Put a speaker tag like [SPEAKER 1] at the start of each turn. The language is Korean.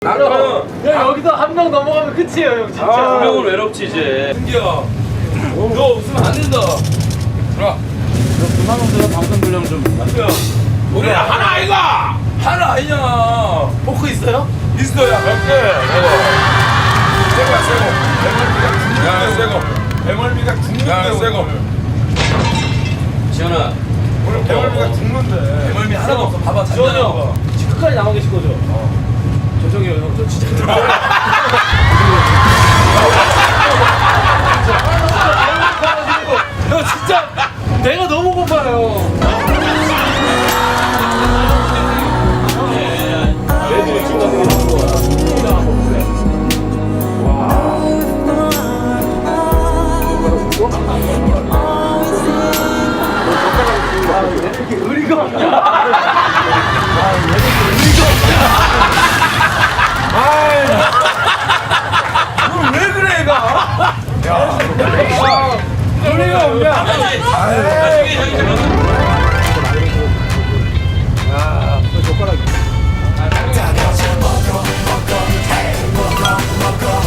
[SPEAKER 1] 나는
[SPEAKER 2] 야 여기서 한 명 넘어가면 끝이에요 형 진짜.
[SPEAKER 1] 두 명은 외롭지 이제. 승기야, 너 없으면 안 된다. 들어와.
[SPEAKER 2] 그만 오세요 방송 분량 좀.
[SPEAKER 1] 승기야, 우리 하나 아이가. 하나 아니냐.
[SPEAKER 2] 포크 있어요?
[SPEAKER 1] 있어야 몇 개? 새거야 새거. 배멀미가 새거. 배멀미가 죽는데 새거. 지현아, 오늘 배멀미가 죽는데. 배멀미 하나도 없어. 봐봐,
[SPEAKER 2] 지원이 형 지금 끝까지 남아 계실 거죠? 죄송해요 형 저 진짜. 형 진짜 내가 너무 고파요. 애들이 지금 가는 게 좋은 거야. 이렇게 의리가 없냐?
[SPEAKER 1] 왜 그래 얘가?
[SPEAKER 2] 의리가 없냐?
[SPEAKER 1] 나중에